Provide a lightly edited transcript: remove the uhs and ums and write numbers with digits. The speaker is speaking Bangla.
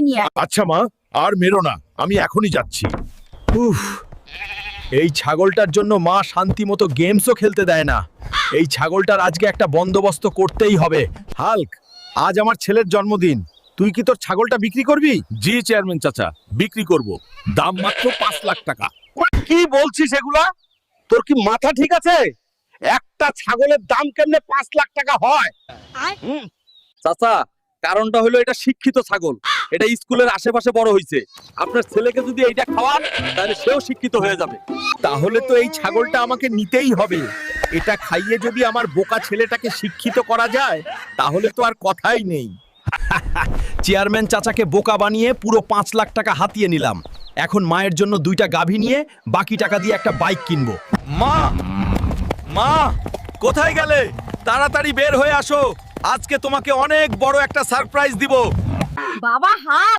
নিয়ে আয়। আচ্ছা মা, আর মেরো না, আমি এখনই যাচ্ছি। উফ, এই ছাগলটার জন্য মা শান্তি মতো গেমসও খেলতে দেয় না। এই ছাগলটার আজকে একটা বন্দোবস্ত করতেই হবে। হাল্ক, আজ আমার ছেলের জন্মদিন, তুই কি তোর ছাগলটা বিক্রি করবি? জি চেয়ারম্যান চাচা, বিক্রি করব, দাম মাত্র 5 লাখ টাকা। কি বলছিস এগুলা? তোর কি মাথা ঠিক আছে? একটা ছাগলের দাম কেমনে 5 লাখ টাকা হয়? চাচা, কারণটা হলো এটা শিক্ষিত ছাগল, এটা স্কুলের আশেপাশে বড় হইছে। আপনার ছেলেকে যদি এইটা খাওয়ান তাহলে সেও শিক্ষিত হয়ে যাবে। তাহলে তো এই ছাগলটা আমাকে নিতেই হবে। এটা খাইয়ে যদি আমার বোকা ছেলেটাকে শিক্ষিত করা যায় তাহলে তো আর কথাই নেই। চেয়ারম্যান চাচাকে বোকা বানিয়ে পুরো 5 লাখ টাকা হাতিয়ে নিলাম। এখন মায়ের জন্য 2টা গাভী নিয়ে বাকি টাকা দিয়ে একটা বাইক কিনবো। মা, মা, কোথায় গেলে? তাড়াতাড়ি বের হয়ে আসো, আজকে তোমাকে অনেক বড় একটা সারপ্রাইজ দিব। বাবা হাত